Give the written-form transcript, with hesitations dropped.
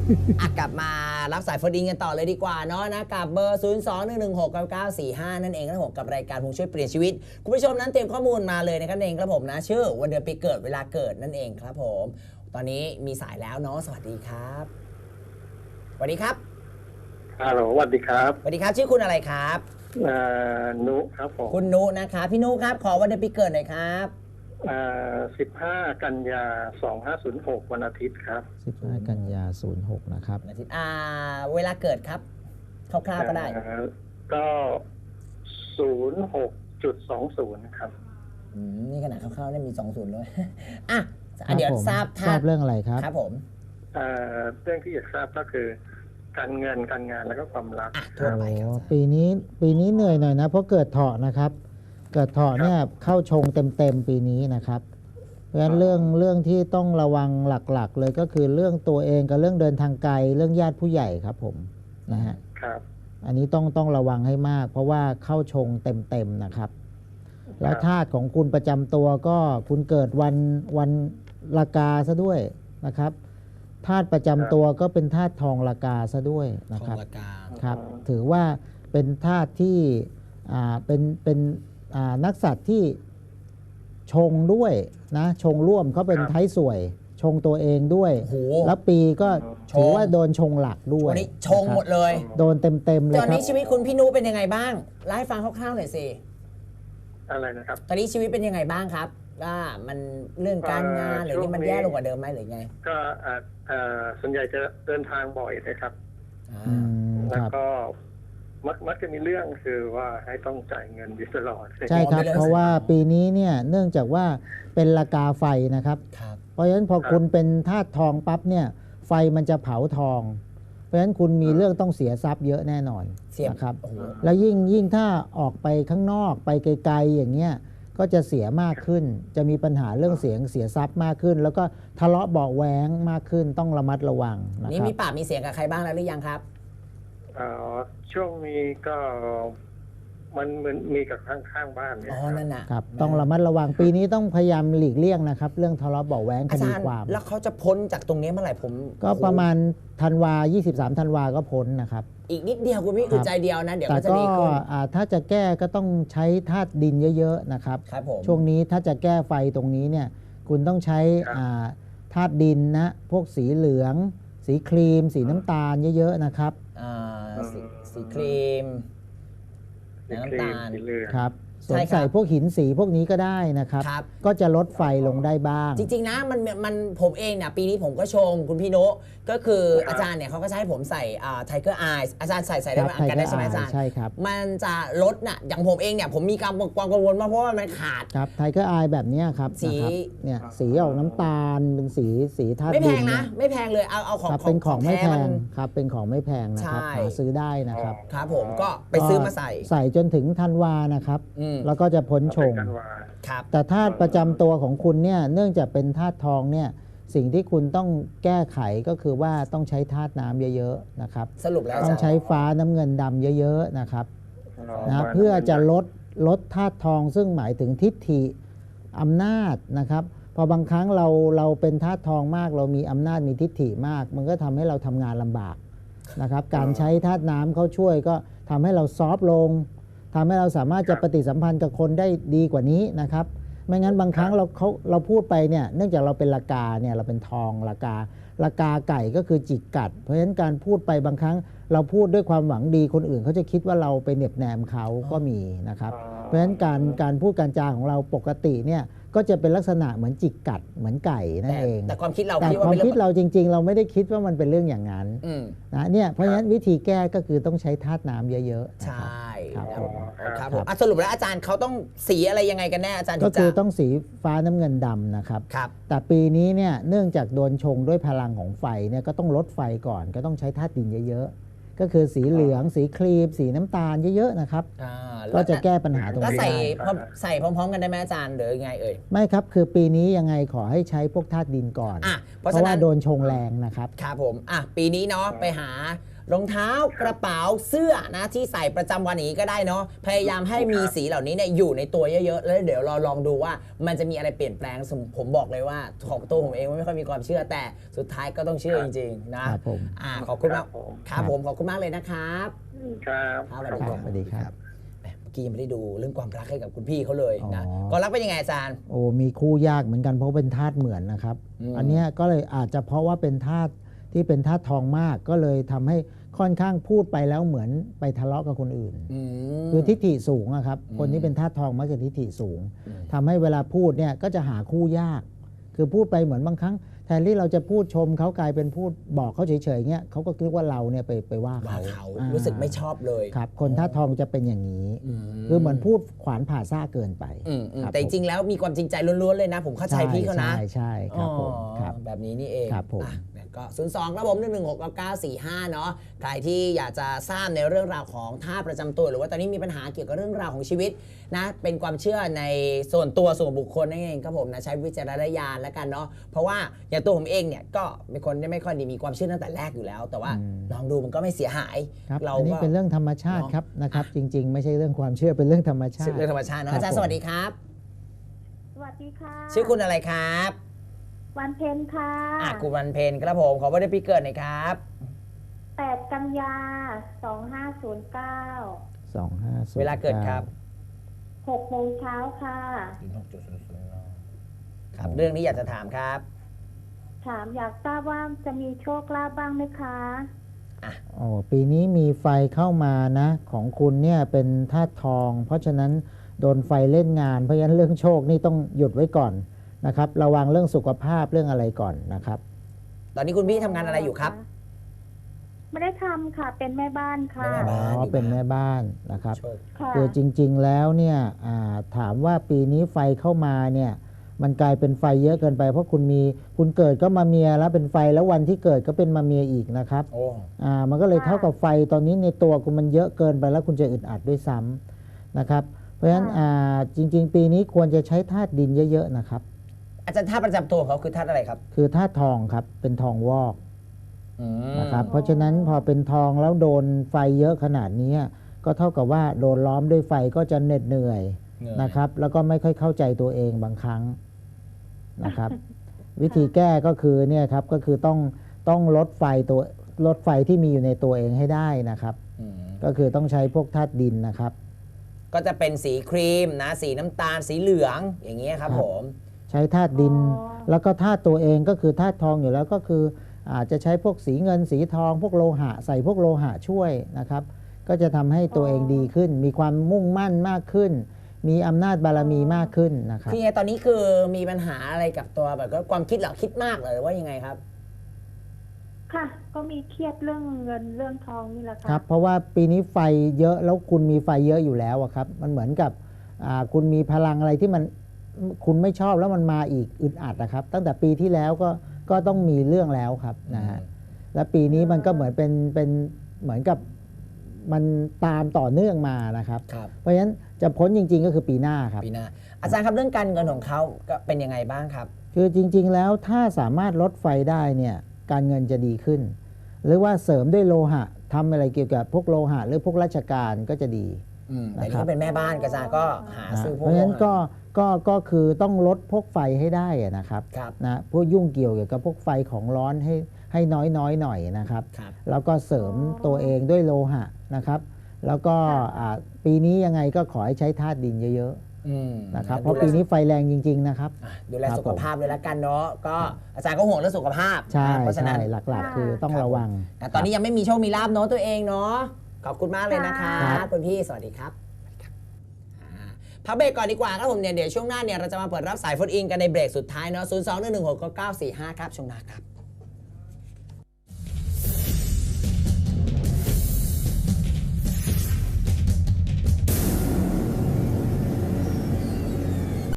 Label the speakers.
Speaker 1: กลับมารับสายโฟนอินกันต่อเลยดีกว่าเนาะนะกับเบอร์ 021169945 นั่นเองครับผมกับรายการผู้ช่วยเปลี่ยนชีวิตคุณผู้ชมนั้นเตรียมข้อมูลมาเลยนะครับเองครับผมนะชื่อวันเดือนปีเกิดเวลาเกิดนั่นเองครับผมตอนนี้มีสายแล้วเนาะสวัสดีครับสวัสดีครับ
Speaker 2: ฮัลโหลสวัสดีครับ
Speaker 1: สวัสดีครับชื่อคุณอะไรครับ
Speaker 2: นุครับผม
Speaker 1: คุณนุนะครับพี่นุครับขอวันเดือนปีเกิดหน่อยครับ
Speaker 2: 15 กันยา 2506 วันอาทิตย์ครับ
Speaker 3: 15 กันยา 06นะครับ
Speaker 1: วันอาทิตย์เวลาเกิดครับคร่าวๆก็ได้
Speaker 2: ก็ 06.20 ครับ
Speaker 1: นี่ขนาดคร่าวๆได้มี20ด้วยเดี๋ยวทราบ
Speaker 3: เรื่องอะไรครับ
Speaker 1: ครับผม
Speaker 2: เรื่องที่อยากทราบก็คือการเงินการงานแล้วก็ความรัก
Speaker 1: ทั่วไป
Speaker 3: ปีนี้เหนื่อยหน่อยนะเพราะเกิดเถาะนะครับเกิดเถาะเนี่ยเข้าชงเต็มปีนี้นะครับเพราะฉะนั้นเรื่องที่ต้องระวังหลักๆเลยก็คือเรื่องตัวเองกับเรื่องเดินทางไกลเรื่องญาติผู้ใหญ่ครับผมนะฮะ
Speaker 2: ครับ
Speaker 3: อันนี้ต้องระวังให้มากเพราะว่าเข้าชงเต็มนะครับแล้วธาตุของคุณประจำตัวก็คุณเกิดวันละกาซะด้วยนะครับธาตุประจำตัวก็เป็นธาตุทองละกาซะด้วยนะครับครับถือว่าเป็นธาตุที่เป็นนักสัตว์ที่ชงด้วยนะชงร่วมเขาเป็นไทยสวยชงตัวเองด้วยแล้วปีก็ถือว่าโดนชงหลักด้วย
Speaker 1: วันนี้ชงหมดเลย
Speaker 3: โดนเต็มเลยครับ
Speaker 1: ตอนนี้ชีวิตคุณพี่นุเป็นยังไงบ้างเล่าให้ฟังคร่าวๆหน่อยสิ
Speaker 2: อะไรนะครับ
Speaker 1: ตอนนี้ชีวิตเป็นยังไงบ้างครับว่ามันเรื่องการงานหรือที่มันแย่ลงกว่าเดิมไหมหรือไง
Speaker 2: ก็ส่วนใหญ่จะเดินทางบ่อยนะครับแล้วก็มักจะมีเรื่องคือว่าให้ต้องจ่ายเงินอยู่ตลอด
Speaker 3: ใช่ครับเพราะว่าปีนี้เนี่ยเนื่องจากว่าเป็นราคาไฟนะครับเพราะฉะนั้นพอคุณเป็นธาตุทองปั๊บเนี่ยไฟมันจะเผาทองเพราะฉะนั้นคุณมีเรื่องต้องเสียทรัพย์เยอะแน่นอนนะครับแล้วยิ่งถ้าออกไปข้างนอกไปไกลๆอย่างเงี้ยก็จะเสียมากขึ้นจะมีปัญหาเรื่องเสียทรัพย์มากขึ้นแล้วก็ทะเลาะเบาะแว้งมากขึ้นต้องระมัดระวังนะครับ
Speaker 1: นี่มีปากมีเสียงกับใครบ้างแล้วหรือยังครับ
Speaker 2: ช่วงนี้ก็มันเหมือนมีกับข้างบ้านเนี่ย
Speaker 1: นั่นนะครับ
Speaker 3: ต้องระมัดระวังปีนี้ต้องพยายามหลีกเลี่ยงนะครับเรื่องทะเลาะเบาะแว้งคดีความ
Speaker 1: แล้วเขาจะพ้นจากตรงนี้เมื่อไหร่ผม
Speaker 3: ก็ประมาณ23 ธันวาก็พ้นนะครับ
Speaker 1: อีกนิดเดียวคุณพี่อึดใจเดียวนะเดี๋ยว
Speaker 3: ก็
Speaker 1: จะดีขึ้น
Speaker 3: ถ้าจะแก้ก็ต้องใช้ธาตุดินเยอะๆนะครับช่วงนี้ถ้าจะแก้ไฟตรงนี้เนี่ยคุณต้องใช้ธาตุดินนะพวกสีเหลืองสีครีมสีน้ำตาลเยอะๆนะครับ
Speaker 1: สีครีมน้ำตาล
Speaker 3: ครับสวมใส่พวกหินสีพวกนี้ก็ได้นะครับก็จะลดไฟลงได้บ้าง
Speaker 1: จริงๆนะมันผมเองเนี่ยปีนี้ผมก็ชงคุณพี่โนก็คืออาจารย์เนี่ยเขาก็จะให้ผมใส่Tiger Eyes อาจารย์ใส่ได้ไหมกันได้ใช่ไหมอาจารย์
Speaker 3: ใช่ครับ
Speaker 1: มันจะลดน่ะอย่างผมเองเนี่ยผมมีความกังวลมากเพราะว่ามันขาด
Speaker 3: ครับTiger Eyes แบบนี้ครับเนี่ยสีออกน้ำตาลเป็นสีธาตุดิน
Speaker 1: ไม่แพงนะไม่แพงเลยเอาของ
Speaker 3: เป็นของไม่แพงครับเป็นของไม่แพงนะครับหาซื้อได้นะครับ
Speaker 1: ครับผมก็ไปซื้อมาใส่
Speaker 3: จนถึงธันวานะครับแล้วก็จะพ้นชงแต่ธาตุประจำตัวของคุณเนี่ยเนื่องจากเป็นธาตุทองเนี่ยสิ่งที่คุณต้องแก้ไขก็คือว่าต้องใช้ธาตุน้ำเยอะๆนะครับ
Speaker 1: สรุปแล้ว
Speaker 3: ต้องใช้ฟ้าน้ำเงินดำเยอะๆนะครับเพื่อจะลดธาตุทองซึ่งหมายถึงทิฏฐิอำนาจนะครับพอบางครั้งเราเป็นธาตุทองมากเรามีอำนาจมีทิฏฐิมากมันก็ทำให้เราทำงานลำบากนะครับการใช้ธาตุน้ำเข้าช่วยก็ทำให้เราซอฟต์ลงทำให้เราสามารถจะปฏิสัมพันธ์กับคนได้ดีกว่านี้นะครับไม่งั้นบางครั้งเราพูดไปเนี่ยเนื่องจากเราเป็นละกาเนี่ยเราเป็นทองละกาไก่ก็คือจิกกัดเพราะฉะนั้นการพูดไปบางครั้งเราพูดด้วยความหวังดีคนอื่นเขาจะคิดว่าเราไปเหน็บแนมเขาก็มีนะครับเพราะฉะนั้นการพูดการจาของเราปกติเนี่ยก็จะเป็นลักษณะเหมือนจิกกัดเหมือนไก่นั่นเอง
Speaker 1: แต่ความคิดเรา
Speaker 3: จริงๆเราไม่ได้คิดว่ามันเป็นเรื่องอย่างนั้นนะเนี่ยเพราะฉะนั้นวิธีแก้ก็คือต้องใช้ธาตุน้ำเยอะ
Speaker 1: ๆใช่ครับผมสรุปแล้วอาจารย์เขาต้องสีอะไรยังไงกันแน่อาจารย์
Speaker 3: ก็คือต้องสีฟ้าน้ำเงินดำนะครับแต่ปีนี้เนี่ยเนื่องจากโดนชงด้วยพลังของไฟเนี่ยก็ต้องลดไฟก่อนก็ต้องใช้ธาตุดินเยอะๆก็คือสีเหลืองสีครีมสีน้ำตาลเยอะๆนะครับก็จะแก้ปัญหาตรงนี้ได้
Speaker 1: ใส่พร้อมๆกันได้ไหมอาจารย์หรือไง
Speaker 3: ไม่ครับคือปีนี้ยังไงขอให้ใช้พวกธาตุดินก่อนเพราะว่าโดนชงแรงนะครับ
Speaker 1: ครับผมปีนี้เนาะไปหารองเท้ากระเป๋าเสื้อนะที่ใส่ประจำวันอย่างนี้ก็ได้เนาะพยายามให้มีสีเหล่านี้เนี่ยอยู่ในตัวเยอะๆแล้วเดี๋ยวเราลองดูว่ามันจะมีอะไรเปลี่ยนแปลงผมบอกเลยว่าของตัวผมเองไม่ค่อยมีความเชื่อแต่สุดท้ายก็ต้องเชื่อจริงๆนะครับ
Speaker 3: ผม
Speaker 1: ขอบคุณมาก
Speaker 2: ครับผม
Speaker 1: ครับผมขอบคุณมากเลยนะครับ
Speaker 2: ครับ
Speaker 1: ครับ
Speaker 3: ครับสวัสดีครับ
Speaker 1: แหมเมื่อกี้ยังไม่ได้ดูเรื่องความรักให้กับคุณพี่เขาเลยนะ
Speaker 3: อ๋อ
Speaker 1: ความรักเป็นยังไงอาจารย์
Speaker 3: โอ้มีคู่ยากเหมือนกันเพราะเป็นธาตุเหมือนนะครับ
Speaker 1: อืม
Speaker 3: อันเนี้ยก็เลยอาจจะเพราะว่าเป็นธาตุที่เป็นธาตุทองมากก็เลยทำให้ค่อนข้างพูดไปแล้วเหมือนไปทะเลาะกับคนอื่น คือทิฏฐิสูงอะครับ คนที่เป็นธาตุทองมักจะทิฏฐิสูง ทำให้เวลาพูดเนี่ยก็จะหาคู่ยาก คือพูดไปเหมือนบางครั้ง แทนที่เราจะพูดชมเขากลายเป็นพูดบอกเขาเฉยๆเงี้ยเขาก็คิดว่าเราเนี่ยไปว่า
Speaker 1: ว่า
Speaker 3: เขา
Speaker 1: เขารู้สึกไม่ชอบเลย
Speaker 3: ครับ คนธาตุทองจะเป็นอย่างนี้
Speaker 1: อืม
Speaker 3: คือเหมือนพูดขวานผ่าซ่าเกินไป ครับ
Speaker 1: แต่จริงๆแล้วมีความจริงใจล้วนๆเลยนะ ผมเข้าใจพี่เขานะ
Speaker 3: ใช่ครับผม
Speaker 1: อ๋อ
Speaker 3: ครับ
Speaker 1: แบบนี้นี่เอง
Speaker 3: ครับผม
Speaker 1: อ่ะก็02ครับผม1169945เนาะใครที่อยากจะทราบในเรื่องราวของท่าประจำตัวหรือว่าตอนนี้มีปัญหาเกี่ยวกับเรื่องราวของชีวิตนะเป็นความเชื่อในส่วนตัวส่วนบุคคลนั่นเองครับผมนะใช้วิจารณญาณแล้วกันเนาะเพราะว่าอย่างตัวผมเองเนี่ยก็เป็นคนที่ไม่ค่อยมีความเชื่อตั้งแต่แรกอยู่แล้ว แต่ว่าลองดูมันก็ไม่เสียหาย
Speaker 3: ครับ
Speaker 1: เรา
Speaker 3: อันนี้
Speaker 1: ก็
Speaker 3: เป็นเรื่องธรรมชาติครับนะครับ จริง ๆ ไม่ใช่เรื่องความเชื่อเป็นเรื่องธรรมชาติ
Speaker 1: เรื่องธรรมชาติเนาะ
Speaker 3: ครับ
Speaker 1: อาจารย์
Speaker 3: ผม
Speaker 1: สวัสดีครับ
Speaker 4: สวัสดีค่ะ
Speaker 1: ชื่อคุณอะไรครับ
Speaker 4: วันเพ็ญค่ะ
Speaker 1: คุณวันเพ็ญครับผมขอวันเดือนปีเกิดหน่อยครับ
Speaker 4: 8 กันยา 2509
Speaker 3: 2509
Speaker 1: เวลาเกิดครับ
Speaker 4: 6 โมงเช้าค่ะ
Speaker 1: ครับเรื่องนี้อยากจะถามครับ
Speaker 4: ถามอยากทราบว่าจะมีโชคลาภบ้างไหมคะ
Speaker 3: โอ้ปีนี้มีไฟเข้ามานะของคุณเนี่ยเป็นธาตุทอง เพราะฉะนั้นโดนไฟเล่นงาน เพราะฉะนั้นเรื่องโชคนี่ต้องหยุดไว้ก่อนนะครับระวังเรื่องสุขภาพเรื่องอะไรก่อนนะครับ
Speaker 1: ตอนนี้คุณพี่ทำงานอะไรอยู่ครับ
Speaker 4: ไม่ได้ทำค่ะ เป็นแม่บ้านค่ะ
Speaker 1: เป็นแม่บ้าน
Speaker 3: อ๋อเป็นแม่บ้านนะครับ
Speaker 1: โชค
Speaker 4: ค่ะ
Speaker 3: คือจริงๆแล้วเนี่ยถามว่าปีนี้ไฟเข้ามาเนี่ยมันกลายเป็นไฟเยอะเกินไป เพราะคุณเกิดก็มาเมียแล้วเป็นไฟแล้ววันที่เกิดก็เป็นมาเมียอีกนะครับ
Speaker 1: โอ้
Speaker 3: มันก็เลยเท่ากับไฟตอนนี้ในตัวคุณมันเยอะเกินไปแล้วคุณจะอึดอัดด้วยซ้ำนะครับเพราะฉะนั้นจริงๆ ปีนี้ควรจะใช้ธาตุดินเยอะๆนะครับ
Speaker 1: อาจารย์ท่าประจำตัวของเขาคือท่าอะไรครับ
Speaker 3: คือธาตุทองครับเป็นทองวอก
Speaker 1: อืม
Speaker 3: นะครับเพราะฉะนั้นพอเป็นทองแล้วโดนไฟเยอะขนาดนี้ก็เท่ากับว่าโดนล้อมด้วยไฟก็จะเหน็ดเหนื่อยนะครับแล้วก็ไม่ค่อยเข้าใจตัวเองบางครั้งนะครับ วิธีแก้ก็คือเนี่ยครับก็คือต้องลดไฟที่มีอยู่ในตัวเองให้ได้นะครับ
Speaker 1: อืม
Speaker 3: ก็คือต้องใช้พวกธาตุดินนะครับ
Speaker 1: ก็จะเป็นสีครีมนะสีน้ำตาลสีเหลืองอย่างเงี้ยครับ
Speaker 3: ครับ
Speaker 1: ผม
Speaker 3: ใช้ธาตุดิน แล้วก็ธาตุตัวเองก็คือธาตุทองอยู่แล้วก็คืออาจจะใช้พวกสีเงินสีทอง พวกโลหะใส่พวกโลหะช่วยนะครับ ก็จะทำให้ตัวเองดีขึ้น มีความมุ่งมั่นมากขึ้น มีอำนาจบารมีมากขึ้นนะครับ
Speaker 1: คือไงตอนนี้คือมีปัญหาอะไรกับตัวแบบก็ความคิดเหรอคิดมากเหรอหรือว่ายังไงครับ
Speaker 4: ค่ะ ก็มีเครียดเรื่องเงินเรื่องทองนี่แหละค่ะ
Speaker 3: ครับเพราะว่าปีนี้ไฟเยอะแล้วคุณมีไฟเยอะอยู่แล้วอะครับมันเหมือนกับคุณมีพลังอะไรที่มันคุณไม่ชอบแล้วมันมาอีกอึดอัดนะครับ ตั้งแต่ปีที่แล้วก็ต้องมีเรื่องแล้วครับนะฮะและปีนี้มันก็เหมือนเป็นเหมือนกับมันตามต่อเนื่องมานะครับ
Speaker 1: ครับ
Speaker 3: เพราะฉะนั้นจะพ้นจริง ๆ ก็คือปีหน้าครับ
Speaker 1: ปีหน้าอาจารย์ครับเรื่องการเงินของเขาก็เป็นยังไงบ้างครับ
Speaker 3: คือจริง ๆ แล้วถ้าสามารถลดไฟได้เนี่ยการเงินจะดีขึ้น หรือว่าเสริมด้วยโลหะทำอะไรเกี่ยวกับพวกโลหะหรือพวกราชการก็จะดี
Speaker 1: แต่นี่ก็เป็นแม่บ้านกระจายก็หาซื้อพ
Speaker 3: เพ
Speaker 1: วก
Speaker 3: ราะฉะนั้นก็คือต้องลดพวกไฟให้ได้อะนะครับ
Speaker 1: ครับ
Speaker 3: นะพวกยุ่งเกี่ยวกับพวกไฟของร้อนให้น้อยหน่อยนะครับ
Speaker 1: ครับ
Speaker 3: แล้วก็เสริมตัวเองด้วยโลหะนะครับ แล้วก็ปีนี้ยังไงก็ขอให้ใช้ธาตุดินเยอะๆนะครับเพราะปีนี้ไฟแรงจริงๆนะครับ
Speaker 1: ดูแลสุขภาพเลยละกันเนาะก็อาจารย์ก็ห่วงเรื่องสุขภาพ
Speaker 3: ใช่
Speaker 1: นะเพราะฉะนั้น
Speaker 3: ใช่หลักๆ คือต้องระวัง
Speaker 1: แต่ตอนนี้ยังไม่มีโชคมีลาบเนาะตัวเองเนาะขอบคุณมากเลยนะคะ
Speaker 3: ครับ
Speaker 1: คุณพี่สวัสดีครับพักเบรกก่อนดีกว่าครับผมเนี่ยเดี๋ยวช่วงหน้าเนี่ยเราจะมาเปิดรับสายโฟนอินกันในเบรกสุดท้ายเนาะ021169945ครับช่วงหน้าครับ